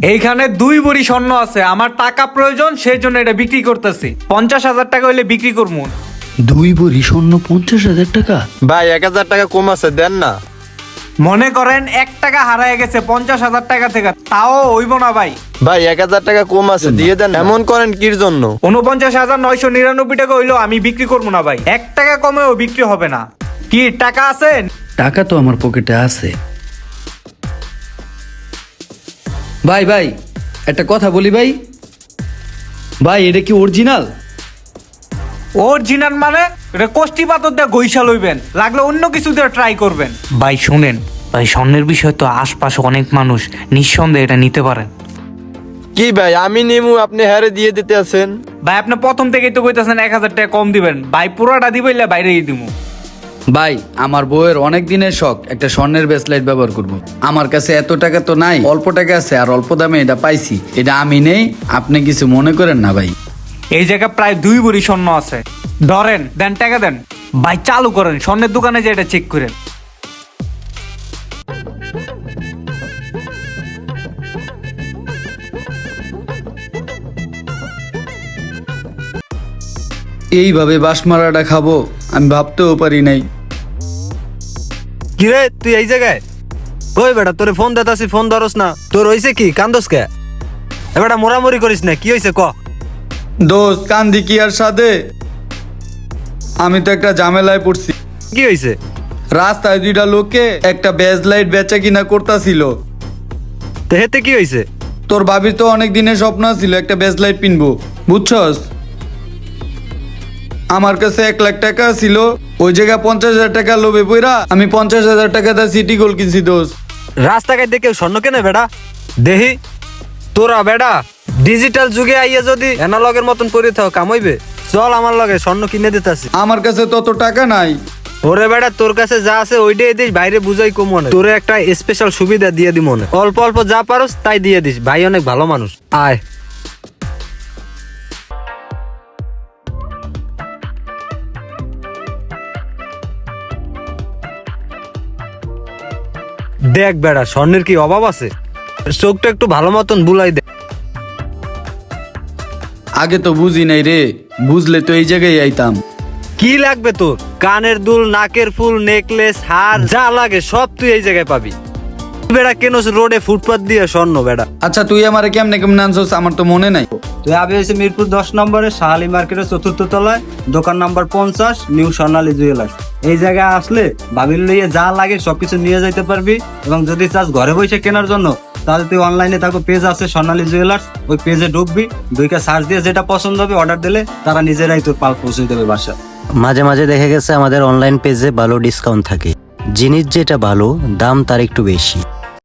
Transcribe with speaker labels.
Speaker 1: এইখানে 2 ভরি স্বর্ণ আছে, আমার টাকা প্রয়োজন, সেই জন্য এটা বিক্রি করতেছি। 50,000 টাকা হইলে বিক্রি করবো।
Speaker 2: 2 ভরি স্বর্ণ 50,000 টাকা?
Speaker 3: ভাই 1,000 টাকা কম আছে, দেন না।
Speaker 1: মনে করেন 1 টাকা হারায় গেছে 50,000 টাকা থেকে, তাও হইব না ভাই।
Speaker 3: ভাই 1,000 টাকা কম আছে, দিয়ে দেন। এমন করেন কির জন্য?
Speaker 1: 49,999 টাকা হইলো আমি বিক্রি করবো না ভাই। 1 টাকা কমেও বিক্রি হবে না। কি টাকা আছে?
Speaker 2: টাকা তো আমার পকেটে আছে। ভাই ভাই একটা কথা বলি ভাই, ভাই এটা কি অরিজিনাল?
Speaker 1: অরিজিনাল মানে এটা কোষ্টি পাথর দিয়ে গইসা লইবেন, লাগলে অন্য কিছু দিয়ে ট্রাই করবেন। ভাই শুনেন ভাই, স্বর্ণের বিষয় তো আশপাশে অনেক মানুষ, নিঃসন্দেহে এটা নিতে পারেন।
Speaker 3: কি ভাই আমি নিমু, আপনি হারে দিয়ে দিতে আছেন?
Speaker 1: ভাই আপনি প্রথম থেকেই তো কইতাছেন 1,000 টাকা কম দিবেন, ভাই পুরোটা দিবইলে বাইরেই দিমু।
Speaker 2: ভাই আমার বউয়ের অনেক দিনের শখ একটা স্বর্ণের ব্রেসলেট ব্যবহার করব। আমার কাছে এত টাকা তো নাই, অল্প টাকা আছে, আর অল্প দামে এটা পাইছি, এটা আমি নেই, আপনি কিছু মনে করেন না ভাই।
Speaker 1: এই জায়গায় প্রায় 2 ভরি স্বর্ণ আছে, ধরেন, দেন টাকা দেন। ভাই চালু করেন, স্বর্ণের দোকানে যে এটা চেক করেন।
Speaker 2: এইভাবে বাঁশমারাটা খাবো আমি ভাবতেও পারি নাই।
Speaker 4: কিরে তুই এই জায়গায়? ওই বেটা তোরে ফোন দেতাছি, ফোন ধরস না। তোর হইছে কি, কান্দস কে? এ বেটা মোরামুরি করিস না, কি হইছে ক?
Speaker 2: দোস্ত কান্দি কি আর সাথে, আমি তো একটা ঝামেলায় পড়ছি।
Speaker 4: কি হইছে?
Speaker 2: রাস্তায় 2টা লোকে একটা ব্যাজলাইট বেচা কিনা করতাছিল।
Speaker 4: তো হেতে কি হইছে?
Speaker 2: তোর ভাবির তো অনেক দিনের স্বপ্ন ছিল একটা ব্যাজলাইট কিনবো, বুঝছস? আমার কাছে 1 লাখ টাকা ছিল, ওই জায়গায় 50,000 টাকা লোভে পইরা আমি 50,000 টাকা দিয়ে সিটি গোল্ড কিনছি দোস্ত।
Speaker 4: রাস্তাঘাট দেখে স্বর্ণ কেনে বেটা? দেহি তোরা বেটা ডিজিটাল যুগে আইয়া যদি অ্যানালগের মতন করে থাও কাম হইবে? চল আমার লগে, স্বর্ণ কিনে দিতাছি।
Speaker 2: আমার কাছে তত টাকা নাই।
Speaker 4: ওরে বেটা তোর কাছে যা আছে ওইটাই দিস, বাইরে বুঝাই কম মনে। তোরে একটা স্পেশাল সুবিধা দিয়ে দি মনে, অল্প অল্প যা পারস তাই দিয়ে দিস। ভাই অনেক ভালো মানুষ, আয়। দেখ বেড়া স্বর্ণের কি অভাব আছে? চোখটা একটু ভালো মতন বুলাই দে।
Speaker 2: আগে তো বুঝি নাই রে, বুঝলে তো এই জায়গায় আইতাম।
Speaker 4: কি লাগবে তোর? কানের দুল, নাকের ফুল, নেকলেস, হার, যা লাগে সব তুই এই জায়গায় পাবি। বেড়া কেন রোডে ফুটপাত দিয়ে স্বর্ণ বেড়া?
Speaker 2: আচ্ছা তুই আমারে কেমনে কেমনে আনছস আমার তো মনে নাই।
Speaker 5: তুই আবি হয়েছে মিরপুর 10 নম্বরে শাহালি মার্কেটের 4র্থ তলায়, দোকান নাম্বার 50, নিউ স্বর্ণালী জুয়েলার্স। এই জায়গায় আসলে ভাবির লইয়ে যা লাগে সবকিছু নিয়ে যাইতে পারবি। এবং যদি চাস ঘরে বসে কেনার জন্য, তাহলে তুই অনলাইনে থাকো, পেজ আছে স্বর্ণালী জুয়েলার্স, ওই পেজে ঢুকবি, 2টা সার্চ দিয়ে যেটা পছন্দ হবে অর্ডার দিলে তারা নিজেরাই তোর পাল পৌঁছে দেবে বাসা।
Speaker 6: মাঝে মাঝে দেখা গেছে আমাদের অনলাইন পেজে ভালো ডিসকাউন্ট থাকে, জিনিস যেটা ভালো দাম তার একটু বেশি।